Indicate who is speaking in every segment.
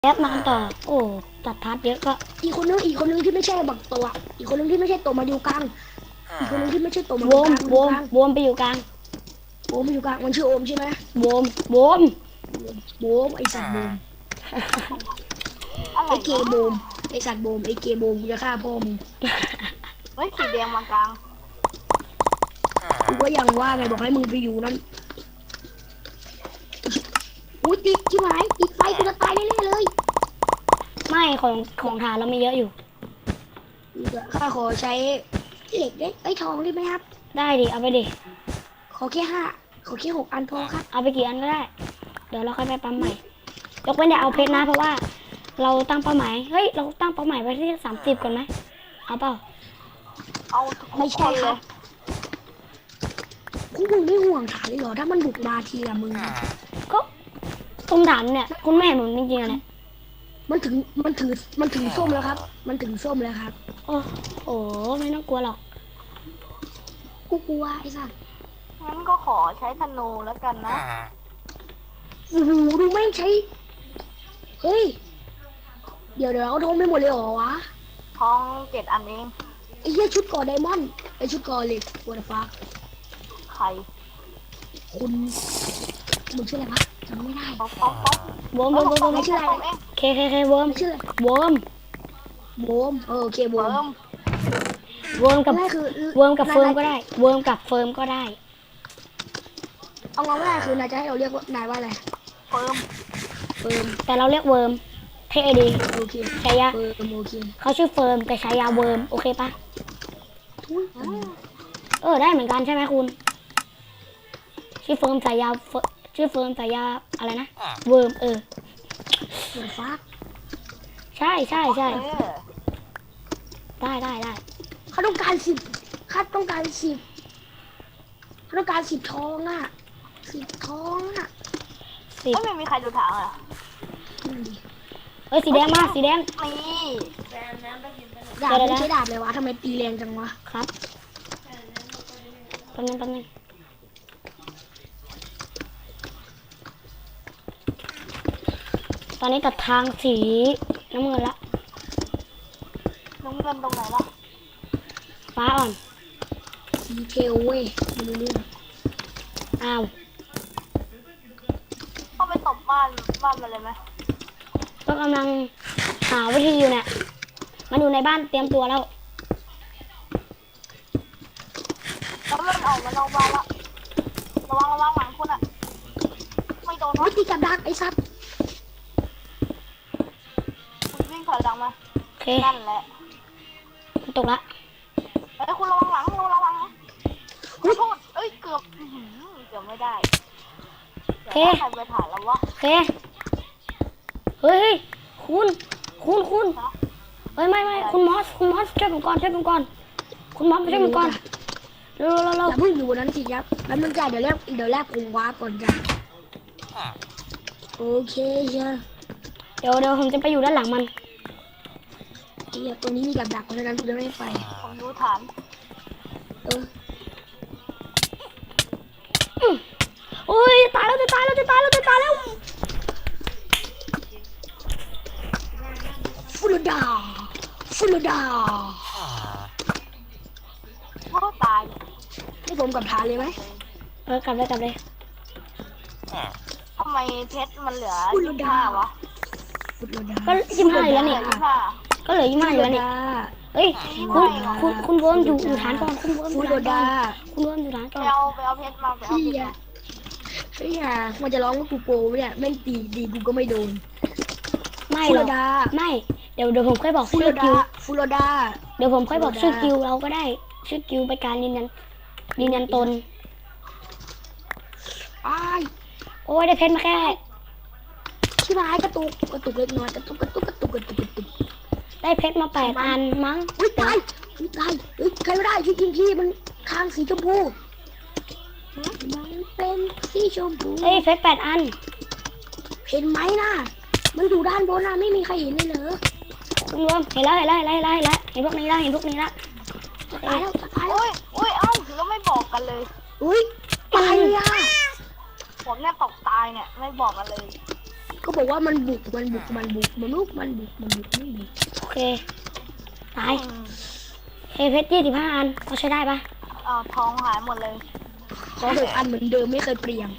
Speaker 1: แล้วมากันต่อโอ้ตัดพาร์ทเยอะก็
Speaker 2: อีกคนนึงที่ไม่ใช่บักตัวอีกคนนึงที่ไม่ใช่ตัวมาอยู่กลางอีกคนนึงที่ไม่ใช่ตัวมาอ
Speaker 1: โว
Speaker 2: ยู่ก
Speaker 1: ม
Speaker 2: ลาง
Speaker 1: โวมโวมไปอยู่กลาง
Speaker 2: โอมมาอยู่กลางมันชื่อโอมใช่ไหม
Speaker 1: โวมโวม
Speaker 2: โบมไอสัตว์โบม
Speaker 3: อะไร
Speaker 2: ไอเกย์โบมไอสัตว์โบมไอเกย์โบมกูจะฆ่าพ่อมึง
Speaker 3: เฮ้ยสีแดงมากลาง
Speaker 2: กูก็ยังว่าไงบอกให้มึงไปอยู่นั่นอุ้ยติดที่หมายติดไฟกูจะตายแน่ๆเลย
Speaker 1: ไม่ของฐานเราไม่เยอะอยู่
Speaker 2: ข้าขอใช้เหล็กได้ไอ้ทองได้ไหมครับ
Speaker 1: ได้ดิเอาไปดิ
Speaker 2: ขอแค่6 อันพอครับ
Speaker 1: เอาไปกี่อันก็ได้ เดี๋ยวเราค่อยไปปั๊มใหม่ยกเว้นอย่าเอาเพชรนะเพราะว่าเราตั้งเป้าหมายเฮ้ยเราตั้งเป้าหมายไว้ที่30ก่อนไหมเอาเปล่า
Speaker 3: เอาทุก
Speaker 2: ไม่
Speaker 3: ค
Speaker 2: ใช่
Speaker 3: น
Speaker 2: ค
Speaker 3: เล
Speaker 2: รับ
Speaker 3: ย
Speaker 2: พวกมึงไม่ห่วงฐานเลยเหรอถ้ามันบุกมาทีละมึง
Speaker 1: ก็ตรงฐานเนี่ยคุณแม่หนุนจริงๆอะเนี่ย
Speaker 2: มันถึงส้มแล้วครับ มันถึงส้มแล้วครับ
Speaker 1: โอ้โหไม่ต้องกลัวหรอก
Speaker 2: กูกลัวไอ้สัส
Speaker 3: งั้นก็ขอใช้ธนูแล้วกันนะ
Speaker 2: โอ้โหดูแม่งใช้เฮ้ยเดี๋ยวเอาทงไม่หมดเลยเหรอวะ
Speaker 3: ท้อง7 อันเอง
Speaker 2: ไอ้เหี้ยชุดก่อไดมอนด์ไอ้ชุดก่อเหล็กวัวฟ้า
Speaker 3: ไข่
Speaker 2: คุณมึงชื่ออะไรวะจำไม่ได้
Speaker 3: ป๊อกป๊อกป๊อก
Speaker 1: โวมโวมโวมโวม
Speaker 2: ไม่ชื่ออะไร
Speaker 3: เอง
Speaker 1: เคโวม
Speaker 2: ไม่ชื่ออะไร
Speaker 1: โวม
Speaker 2: โบมโอเคโบ
Speaker 3: เฟิ
Speaker 2: ม
Speaker 3: ร์ม
Speaker 1: โวมกับ
Speaker 2: ง่ายคือ
Speaker 1: โวมกับเฟิร์มก็ได้โวมกับเฟิร์มก็ได้
Speaker 2: เอาง่ายๆคือนายจะให้เราเรียกว่านายว่าอะไร
Speaker 3: เฟิร์ม
Speaker 2: เฟิร์ม
Speaker 1: แต่เราเรียกเวิร์มเท่ดี
Speaker 2: โอเค
Speaker 1: ฉายา
Speaker 2: เฟิร์มโอเค
Speaker 1: เขาชื่อเฟิร์มแต่ฉายาเวิร์มโอเคปะ
Speaker 2: ทุย
Speaker 1: ได้เหมือนกันใช่ไหมคุณชื่อเฟิร์มฉายาชื่อเฟิร์มฉายาอะไรนะเวิร์ม
Speaker 2: วัวฟ้า
Speaker 1: ใช่
Speaker 3: เออ
Speaker 1: ได้
Speaker 2: เขาต้องการ10เขาต้องการ10ทองอ่ะ10ทองอ่ะ
Speaker 1: สิบ
Speaker 3: ไม่มีใครดูถังอ่ะ
Speaker 2: นั่นดิ
Speaker 1: สีแดงมาสีแดง
Speaker 3: นี่
Speaker 2: ดาบไม่ใช่ดาบเลยวะทำไมตีแรงจังวะ
Speaker 1: ครับแป๊บนึงตอนนี้ตัดทางสีน้ำเงินละ
Speaker 3: น้ำเงินตรงไหนล่ะ
Speaker 1: ฟ้าอ่อน
Speaker 2: ดีเทลเว้ยไม่รู้เรื่อง
Speaker 1: อ้าว
Speaker 3: เข้าไปตบบ้านมาเลยไหม
Speaker 1: ก็กำลังหาวิธีอยู่เนี่ยมันอยู่ในบ้านเตรียมตัวแล้ว
Speaker 3: แล้วมันออกมานอกบ้านละระวังหลังคุณอ่ะไม่โดน
Speaker 2: โอ้
Speaker 3: นะ
Speaker 2: ยตีกับดักไอ้สัตว์
Speaker 3: คุณวิ่งถอยหลังมา
Speaker 1: โอเค
Speaker 3: นั่นแหละ
Speaker 1: มันตกละ
Speaker 3: เฮ้ยคุณระวังหลังระวังนะขอโทษเอ้ยเกือบเกือบไม่ได้
Speaker 1: โอเค
Speaker 3: ใครไปถ่ายแล้ววะ
Speaker 1: โอเคเฮ้ยคุณเฮ้ยไม่คุณมอสช่วยผมก่อนคุณมอสช่วยผมก่อนเร็ว
Speaker 2: อย่าเพิ่งอยู่บนนั้นสิครับแล้วมึงจ่ายเดี๋ยวแรกผมว้าก่อนจ้ะโอเคเชียว
Speaker 1: เดี๋ยวผมจะไปอยู่ด้านหลังมัน
Speaker 2: ไอ้เหี้ยตัวนี้มีกับดักเพราะฉะนั้นกูจะไม่ไป
Speaker 3: ผมดูฐาน
Speaker 2: เออ
Speaker 1: โอ้ยตายแล้ว
Speaker 2: ฟูลดา
Speaker 3: พ่อตาย
Speaker 2: ให้ผมกับทานเลยไหม
Speaker 1: กลับเลย
Speaker 3: ทำไมเพชรมันเหลือ25วะ
Speaker 2: ฟูลดา
Speaker 1: ก็25อยู่แล้วนี่
Speaker 3: 25
Speaker 1: ก็เหลือ25อยู่แล้วนี่เฮ้ยคุณเวิร์มอยู่ฐานก่อนคุณเวิร์มอ
Speaker 2: ฟู
Speaker 1: ยู่
Speaker 2: ล
Speaker 1: ฐานก่อ
Speaker 2: ดาน
Speaker 1: คุณเวิร์มอยู่ฐานก่อน
Speaker 3: ไปเอาเพชรมาไปเอาเพชรมา
Speaker 2: เฮียมันจะร้องว่ากูโปรเนี่ยแม่งตีกูก็ไม่โดน
Speaker 1: ไม่
Speaker 2: ฟู
Speaker 1: หร
Speaker 2: ล
Speaker 1: อก
Speaker 2: ดา
Speaker 1: ไม่เดี๋ยวผมค่อยบอก
Speaker 2: ฟู
Speaker 1: ชื่
Speaker 2: ล
Speaker 1: อกิ
Speaker 2: ดาว ฟูลดา
Speaker 1: เดี๋ยวผมค่อยบอกชื่อ
Speaker 2: ฟูลดา
Speaker 1: กิวเราก็ได้ชื่อกิวไปการยืนยันตน
Speaker 2: อ้าย
Speaker 1: โอ้ยได้เพชรมาแค่
Speaker 2: ชิบหายกระตุกเล็กน้อยกระตุก
Speaker 1: ได้เพชรมา8 อันมั้ง
Speaker 2: อุ้ยตายเฮ้ยใครไม่ได้ช่วยยิงพี่มันคางสีชมพูมันเป็นสีชมพู
Speaker 1: เอ้ยเพชร8 อัน
Speaker 2: เห็นไหมนะมันอยู่ด้านบนนะไม่มีใครเห็นเลยเหรอ
Speaker 1: คุณรวมเห็นแล้วเห็นพวกนี้ละ
Speaker 2: ตายแล้ว
Speaker 3: อุ้ยเอ้าแล้วไม่บอกกันเลย
Speaker 2: อุ้ยตายเลยอ่ะ
Speaker 3: ผมเนี่ยตกตายเนี่ยไม่บอกกันเลย
Speaker 2: ก็บอกว่ามันบุกมันบุกมันบุกมันลุกมันบุกมันบุกไม่บุก
Speaker 1: โอเค ตายเพชร25 อันเขาใช้ได้ปะ
Speaker 3: ทองหายหมดเลย
Speaker 2: ขอ6 อันเหมือนเดิมไม่เคยเปลี่ยน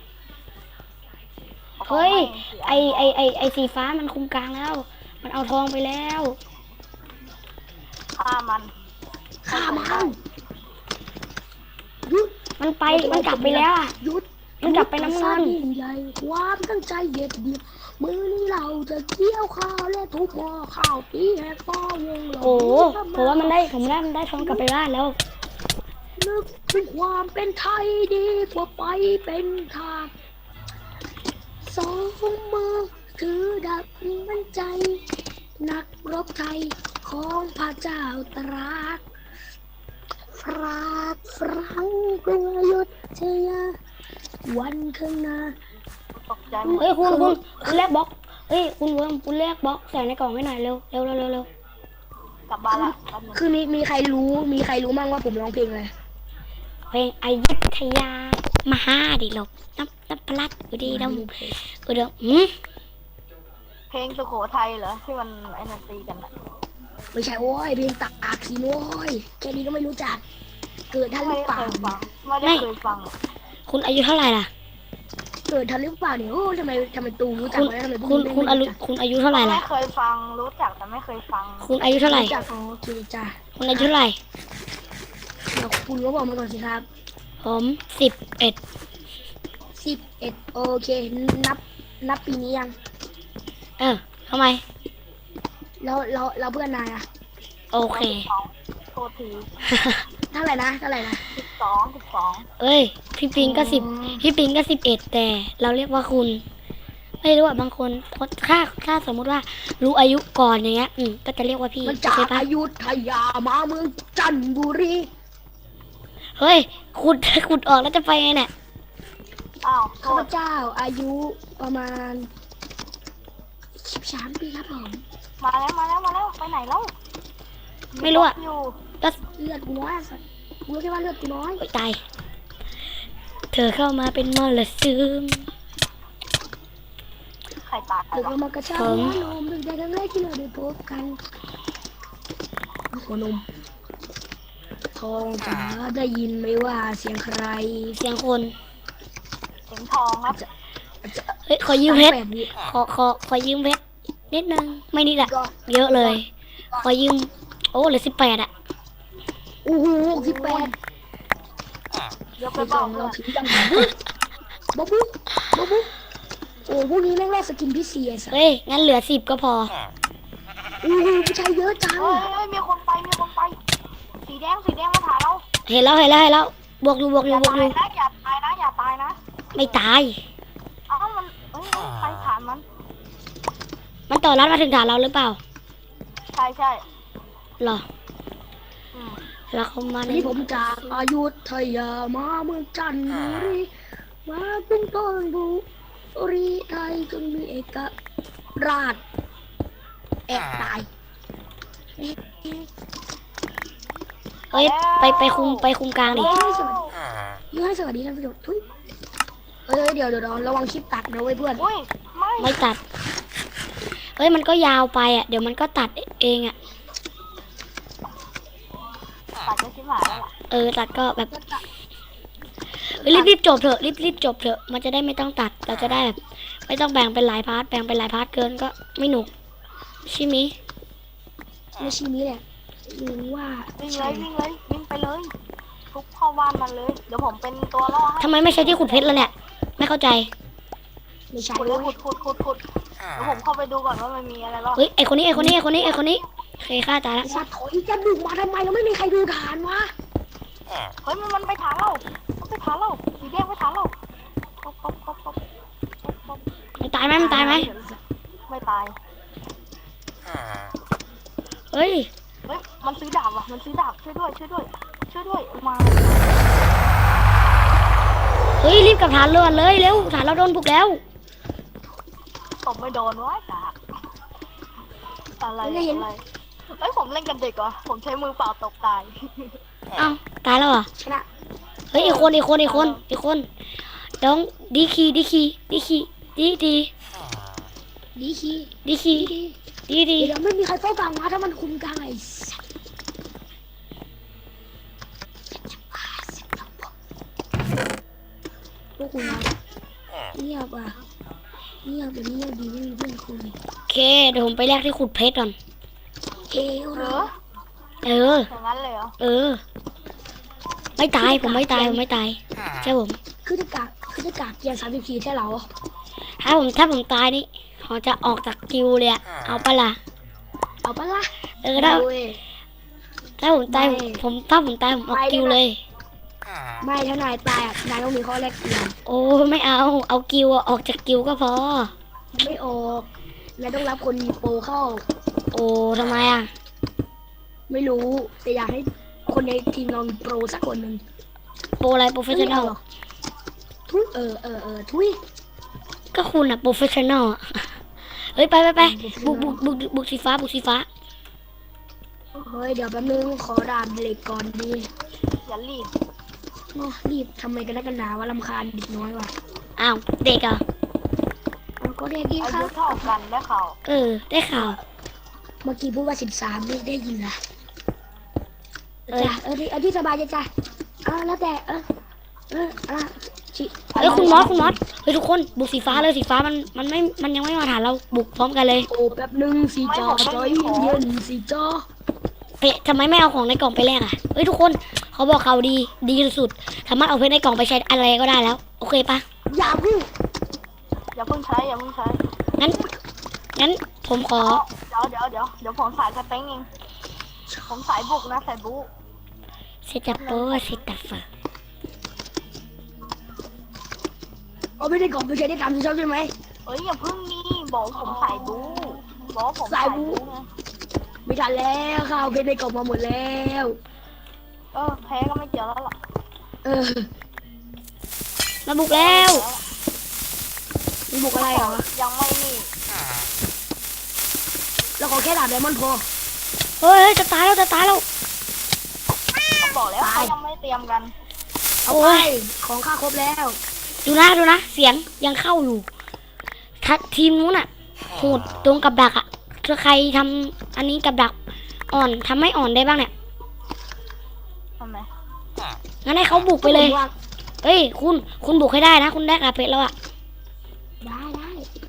Speaker 1: เฮ้ย ไอสีฟ้ามันคุมกลางแล้ว มันเอาทองไปแล้ว
Speaker 3: ฆ่ามัน
Speaker 2: ฆ่ามันหยุด
Speaker 1: มันไป มันกลับไปแล้วอ่ะ
Speaker 2: หยุด
Speaker 1: มันกลับไปน้ำเงิน
Speaker 2: ยิ่งใหญ่ความตั้งใจเด็ดเดี่ยวมือนี้เราจะเกี่ยวข้าวและทุบหม้อข้าวตีแหกฟ้าวงเรา
Speaker 1: โอ้โหผมว่ามันได้ทองกลับไปบ้านแล้ว
Speaker 2: นึกถึงความเป็นไทยดีกว่าไปเป็นทาสสองมือถือดาบมั่นใจ นักรบไทยของพระเจ้าตรากฟรากฟรังกรุงอยุธยาวันข้างหน้า
Speaker 3: ตกใจ
Speaker 1: เฮ้ยคุณแลกบล็อกเฮ้ยคุณเวิร์มคุณแลกบล็อกใส่ในกล่องให้หน่อยเร็ว
Speaker 3: กลับบ้านละแป๊บนึง
Speaker 2: คือมีใครรู้มั่งว่าผมร้องเพลงอะไร
Speaker 1: เพลงอยุธยามหาดิลบน้ำพลัดอุดีดำอุดม
Speaker 3: เพลงสุโขทัยเหรอที่มันไอ้นันตีกันอะ
Speaker 2: ไม่ใช่โว้ยเพลงตากสิโว้ยแค่นี้ก็ไม่รู้จัก เกิดทันห
Speaker 3: ไม่
Speaker 2: รือเป
Speaker 3: เค
Speaker 2: ล่าย
Speaker 3: ฟังไม่ได้เคยฟัง
Speaker 1: คุณอายุเท่าไหร่ล่ะ
Speaker 2: เกิดทันหรือเปล่าเนี่ยโอ้ทำไมตูรู้จัก
Speaker 1: คุณ
Speaker 2: ไหมทำไม
Speaker 1: คุณอายุเท่าไหร่
Speaker 3: ไม่
Speaker 1: ล่ะ
Speaker 3: เคยฟังรู้จักแต่ไม่เคยฟัง
Speaker 1: คุณอายุเท่าไหร่
Speaker 2: รู้จักอ๋อโอเคจ้ะ
Speaker 1: คุณอายุเท่าไหร่
Speaker 2: เดี๋ยวคุณก็บอกมาก่อนสิครับ
Speaker 1: ผม11
Speaker 2: 11โอเคนับปีนี้ยัง
Speaker 1: ทำไม
Speaker 2: แล้วเพื่อนนายอะ
Speaker 1: โอเค
Speaker 3: โทษที
Speaker 2: เท่าไหร่นะ
Speaker 3: 12
Speaker 1: เอ้ย พี่ปิงก็11แต่เราเรียกว่าคุณ ไม่รู้อ่ะบางคนถ้าสมมุติว่ารู้อายุก่อนอย่างเงี้ยก็จะเรียกว่าพี่
Speaker 2: มันจาก
Speaker 1: ใช่ปะ
Speaker 2: อยุธยามาเมืองจันทบุรี
Speaker 1: เฮ้ยขุดออกแล้วจะไปไงเนี่ย
Speaker 3: อ้าวโท
Speaker 2: ข้าพ
Speaker 3: ษ
Speaker 2: เจ้าอายุประมาณ13 ปีครับผม
Speaker 3: มาแล้วไปไหนแล้ว
Speaker 1: ไม่รู้อ่ะ
Speaker 3: อยู่
Speaker 1: ก็
Speaker 2: เลือดกูน้อยอะสัตว์กูรู้แค่ว่าเลือดกูน้อย
Speaker 1: โอ๊ยตายเธอเข้ามาเป็นมรสุม
Speaker 3: ใครตาย
Speaker 2: เกิด
Speaker 3: วะ
Speaker 2: มากระชาก
Speaker 1: ผม
Speaker 2: หัวนมดึกแต่ครั้งแรกที่เราได้พบกันหัวนมทองจ๋าได้ยินไหมว่าเสียงใคร
Speaker 1: เสียงคน
Speaker 3: เสียงทองครับ
Speaker 1: เฮ้ยขอยืมเพชร
Speaker 2: 8 วิ
Speaker 1: ขอยืมเพชรนิดนึงไม่นิดอะ
Speaker 2: ก็
Speaker 1: เยอะเลย ขอยืมโอ้เหลือ18อะ
Speaker 2: โอ้โห18
Speaker 3: เดี๋ยวไป
Speaker 2: ไป
Speaker 3: บ
Speaker 2: จ
Speaker 3: อ
Speaker 2: อก ง
Speaker 3: เล
Speaker 2: เรา
Speaker 3: ย
Speaker 2: ถึงยังบ๊อบบุ๊โอ้พวกนี้แม่งแรกสกินพิเศษอะ
Speaker 1: เฮ้ยงั้นเหลือ10ก็พอ
Speaker 2: โอ้โหผู้ชายเยอะจัง
Speaker 3: เฮ้ยมีคนไปสีแดงมาหาเรา
Speaker 1: เห็นแล้วบวกอยู่
Speaker 3: อย่าตายนะอย่าตายนะ
Speaker 1: ไม่ตาย
Speaker 3: เอ้ามันใครฐานมัน
Speaker 1: มันต่อรัดมาถึงฐานเราหรือเปล่า
Speaker 3: ใช่
Speaker 1: หรอ
Speaker 3: อืม
Speaker 1: แล้วเขามาใน
Speaker 2: นี่ผมจากอยุธยามาเมืองจันทบุรีมาเป็นต้นบุรีไทยจนมีเอกราชแอบตาย
Speaker 1: เฮ้ยไปคุมกลางดิ
Speaker 2: ให้สวัสดีท่านผู้ชมทุยเดี๋ยวระวังคลิปตัดนะเว้ยเพื่อน
Speaker 3: อุ้ยไม่
Speaker 1: ไม่ตัด เฮ้ยมันก็ยาวไปอะเดี๋ยวมันก็ตัดเองอะ
Speaker 3: ตัดจะชิบหายแล้วล่ะ
Speaker 1: ตัดก็แบบเฮ้ยรีบจบเถอะรีบจบเถอะมันจะได้ไม่ต้องตัดเราจะได้แบบไม่ต้องแบ่งเป็นหลายพาร์ทเกินก็ไม่หนุกใช่ไหมย
Speaker 2: ไม่ใช่นี้แหละหรือว่า
Speaker 3: วิ่งไปเลยทุบเข้าบ้านมันเลยเดี๋ยวผมเป็นตัวล่อให้
Speaker 1: ทำไมไม่ใช่ที่ขุดเพชรล่ะเนี่ยไม่เข้าใจ
Speaker 2: ไม่ใช่
Speaker 3: ขุดเลยขุดเดี๋ยวผมเข้าไปดูก่อนว่ามันมีอะไรล่อ
Speaker 1: เฮ้ยไอคนนี้โอเคฆ่าตายแล้ว
Speaker 2: สัตว์ถอยจะบุกมาทำไมเราไม่มีใครดูฐานวะ
Speaker 3: เฮ้ยมันไปฐานเราสีแดงไปฐานเราป๊อป
Speaker 1: มันตายไหมไม่ตาย
Speaker 3: ไม่ตาย
Speaker 1: เฮ้ย
Speaker 3: เฮ้ยมันซื้อดาบว่ะช่วยด้วยมา
Speaker 1: เฮ้ยรีบกลับฐานเรือเลยเร็วฐานเราโดนบุกแล้ว
Speaker 3: ตบไม่โดนวะดาบอะไรเอ้ยผมเล่นกันเด็กเหรอผมใช้มือเปล่าตกตาย
Speaker 1: เอ้าตายแล้วเหรอ
Speaker 2: ชนะ
Speaker 1: เฮ้ยอีกคนน้องดี
Speaker 2: ดีคี
Speaker 1: ดีคี
Speaker 2: ดี
Speaker 1: ดีดี
Speaker 2: เดี๋ยวไม่มีใครเฝ้ากลางนะถ้ามันคุมกลางไอ้สัสพวกคุณนะเงียบอ่ะเงียบแบบนี้ดีไม่มีเพื่อนคุย
Speaker 1: โอเคเดี๋ยวผมไปแลกที่ขุดเพชรก่อน
Speaker 2: เอ้ย
Speaker 3: เหร
Speaker 2: เหร
Speaker 3: อ
Speaker 2: อ
Speaker 1: เออ
Speaker 3: อย่างนั้นเลยเหรอ
Speaker 1: เออ ไม่ตายผมไม่ตายผมไม่ตายใช่ผม
Speaker 2: คือจะกากเกียร์34ใช่เหรอ
Speaker 1: ถ้าผมตายนี่เขาจะออกจากกิวเลยอะเอาปะล่ะ
Speaker 2: เอาปะล่ะ
Speaker 1: เออถ้า
Speaker 2: เว้ย
Speaker 1: ถ้าผมตาย
Speaker 2: ไม่
Speaker 1: ถ้าผมตายผมออกกิวเลย
Speaker 2: ไม่ถ้านายตายอ่ะนายต้องมีข้อแรกเปลี่ยน
Speaker 1: โอ้ไม่เอากิวอะออกจากกิวก็พอ
Speaker 2: ไม่ออกนายต้องรับคนมีโปรเข้า
Speaker 1: โอ้ทำไมอะ
Speaker 2: ไม่รู้แต่อยากให้คนในทีมเรามีโปรสักคนหนึ่ง
Speaker 1: โปรอะไรโปรเฟชชั่นอล
Speaker 2: ทุยทุย
Speaker 1: ก็คุณอะโปรเฟชชั่นอลอะเฮ้ยไปบุกสีฟ้าบุกสีฟ้า
Speaker 2: เฮ้ยเดี๋ยวแป๊บนึงขอดาบเหล็กก่อนดี
Speaker 3: อย่ารีบ
Speaker 2: โอ้รีบทำไมกันนักกันหนาว่าลำคาญเด็กน้อยว่ะ
Speaker 1: อ้าวเด็กเหรอ่ะ
Speaker 2: เอาก็เด็กดี
Speaker 3: อา
Speaker 2: ครั
Speaker 3: ยุ
Speaker 2: บ
Speaker 3: เท่ากันได้ข่าว
Speaker 1: เออ ได้ข่าว
Speaker 2: เมื่อกี้พูดว่า13ไม่ได้ยินนะ
Speaker 1: เอ้ย
Speaker 2: จ้ะเอาที่สบายใจจ้ะแล้วแต่ชิ
Speaker 1: เฮ้ยคุณมอสเฮ้ยทุกคนบุกสีฟ้าเลยสีฟ้ามันยังไม่มาฐานเราบุกพร้อมกันเลย
Speaker 2: โอ้แป๊บนึงสีจอจอยเย็นสีจอ
Speaker 1: เฮ้ยทำไมไม่เอาของในกล่องไปแลกอ่ะเฮ้ยทุกคนเขาบอกเขาดีสุดๆสามารถเอาเพชรในกล่องไปใช้อะไรก็ได้แล้ว โอเคปะ
Speaker 2: อย่าพูด
Speaker 3: อย่าเพิ่งใช้อย่าเพิ่งใช้
Speaker 1: งั้นผมขอ
Speaker 3: เดี๋ยวผมสายสเต็งเองผมสายบุกนะสายบุก
Speaker 1: เซตัปโปเซตัปเฟอร์
Speaker 2: เอาไม่ได้กล่องไปใช้ได้ตามที่ชอบใช่ไหม
Speaker 3: เอ้ยอย่าเพิ่งนี่บอกผมสายบุกบอกผม
Speaker 2: สายบู๊
Speaker 3: ไง
Speaker 2: ไม่ทันแล้วข้าวเพชรในกล่องมาหมดแล้ว
Speaker 3: แพ้ก็ไม่เกี่ยวแล้วล่ะ
Speaker 2: เออ
Speaker 1: มาบุกแล้ว
Speaker 2: มีบุกอะไรเหรอ
Speaker 3: ยังไม่นี่
Speaker 2: เราขอแค่ดาบไดมอนด์พอ
Speaker 1: เฮ้ยจะตายแล้ว
Speaker 3: เขาบอกแล้วเขายังไม่เตรียมกัน
Speaker 2: เอา
Speaker 1: โอ้
Speaker 2: ไป
Speaker 1: ย
Speaker 2: ของข้าครบแล้ว
Speaker 1: ดูนะเสียงยังเข้าอยู่ทีมนู้นอ่ะโหดตรงกับดักอ่ะถ้าใครทำอันนี้กับดักอ่อนทำให้อ่อนได้บ้างเนี่ย
Speaker 3: ทำไม
Speaker 1: งั้นให้เขาบุกไปเลย เฮ้ยคุณบุกให้ได้นะ คุณได้กาเพชรแล้วอ่ะ
Speaker 2: ได้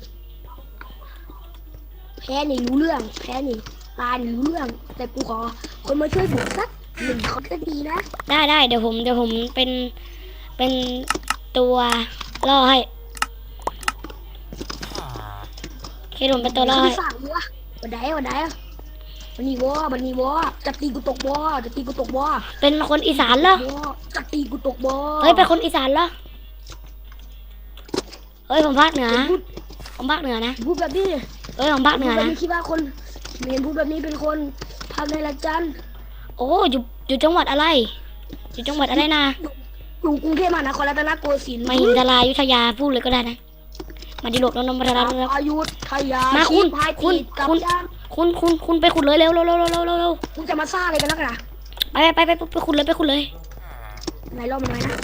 Speaker 2: แพ้นี่รู้เรื่องแพ้นี่ตายนี่รู้เรื่อง แต่กูขอคนมาช่วยบุกสัก1 คนก็ดีนะ
Speaker 1: ได้เดี๋ยวผมเป็นตัวล่อให้เคผมเป็นตัวล่อให้
Speaker 2: สั่งวะวันไหนวันนี้วะจะตีกูตกวะ
Speaker 1: เป็นคนอีสานเหรอ
Speaker 2: จะตีกูตกวะ
Speaker 1: เฮ้ยเป็นคนอีสานเหรอเฮ้ยผมภาคเหนือนะ
Speaker 2: พูดแบบนี้
Speaker 1: เฮ้ยผมภาคเหนือ
Speaker 2: พูดแบบ
Speaker 1: นะ
Speaker 2: นี้คิดว่าคนเห็นพูดแบบนี้เป็นคนภาคในละจัน
Speaker 1: โอ้อยู่จังหวัดอะไรอยู่จังหวัดอะไรนะ
Speaker 2: อยู่กรุงเทพมหานครรัตนโกสินทร์
Speaker 1: มาหินทรายุธยาพูดเลยก็ได้นะมาดิโลกนนท์พัทรรัตน์
Speaker 2: อยุธยา
Speaker 1: มาคุณ
Speaker 2: พาย
Speaker 1: คุณ
Speaker 2: ติดกับ
Speaker 1: คุณ
Speaker 2: ย่าง
Speaker 1: คุณไปขุดเลยเร็ว
Speaker 2: มึงจะมาซ่าอะไรกันนักหนา
Speaker 1: ไปขุดเลย
Speaker 2: ไหนรอบมันไว้นะ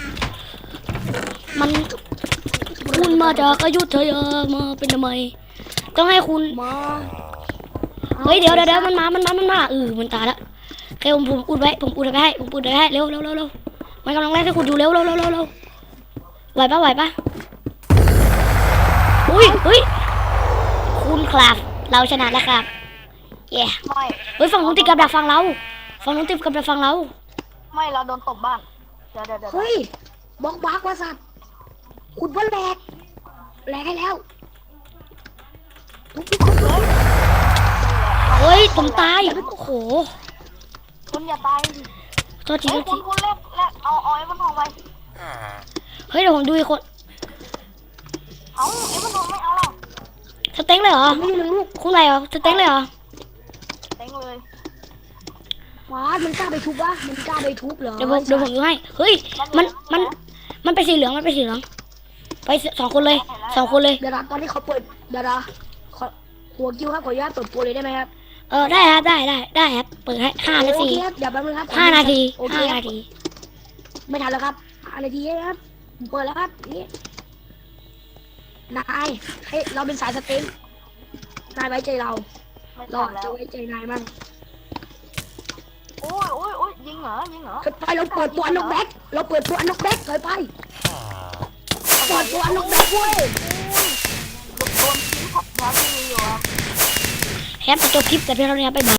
Speaker 1: มันคุณมาจากอยุธยามาเป็นทำไมต้องให้คุณ
Speaker 2: มา
Speaker 1: เฮ้ยเดี๋ยวมันมามันตายแล้วโอเคผมอุดไว้ให้เร็วมันกำลังไล่ให้คุณอยู่เร็วไหวปะอุ้ยคุณครับเราชนะแล้วครับเย้
Speaker 3: ไม่
Speaker 1: เฮ้ยฝั่งนู้นติดกับดักฝั่งเรา
Speaker 3: ไม่เราโดนตบบ้านเดี๋ยว
Speaker 2: เฮ้ยบล็อกบักว่าสัตว์ขุดว่าแหลกให้แล้วทุกคนเลย
Speaker 1: เฮ้ยผมตายโอ้โห
Speaker 3: คุณอย่าตายดิ
Speaker 1: โทษที
Speaker 3: คุณเล็กเอาไอ้มันทองไป
Speaker 1: เฮ้ยเดี๋ยวผมดูอีกคน
Speaker 3: เอาไอ้มันทองไม่เอาหรอก
Speaker 1: สเต็งเลยเหรอ
Speaker 2: ไม่รู้ลูก
Speaker 1: คุณอะไรเหรอสเต็งเลยเหรอ
Speaker 3: เต็งเลย
Speaker 2: ว้ามันกล้าไปทุบวะมันกล้าไปทุบเหรอ
Speaker 1: เดี๋ยวผมดูให้เฮ้ยมันเป็นสีเหลืองไปสองคนเลย
Speaker 2: เดี๋ยวนะตอนนี้เขาเปิดเดี๋ยวนะหัวกิ้วครับขออนุญาตเปิดโปรเลยได้ไหมครับ
Speaker 1: ได้ครับเปิดให้5 นาที
Speaker 2: โอเคครับเดี๋ยวแป๊บนึงครับ
Speaker 1: 5 นาที
Speaker 2: โอเคครับไม่ทันแล้วครับ5 นาทีครับผมเปิดแล้วครับนี่นายให้เราเป็นสายสเต็งนายไว้ใจเรา
Speaker 3: ไม่
Speaker 2: เรา
Speaker 3: ทันแล้ว
Speaker 2: จะไว้ใจนายมั่ง
Speaker 3: โอ้ยยิงเหรอยิงเหรอ
Speaker 2: ถอยไปเราเปิดตัวอนกแบ็กเราเปิดตัวอนกแบ็กถอยไปเปิดตัวอนกแบ็กเว้ย
Speaker 3: โดนทิ้งของยาที่มีอยู่อะ
Speaker 1: แฮปจะจบคลิปแต่เพียงเท่านี้ครับบ๊ายบาย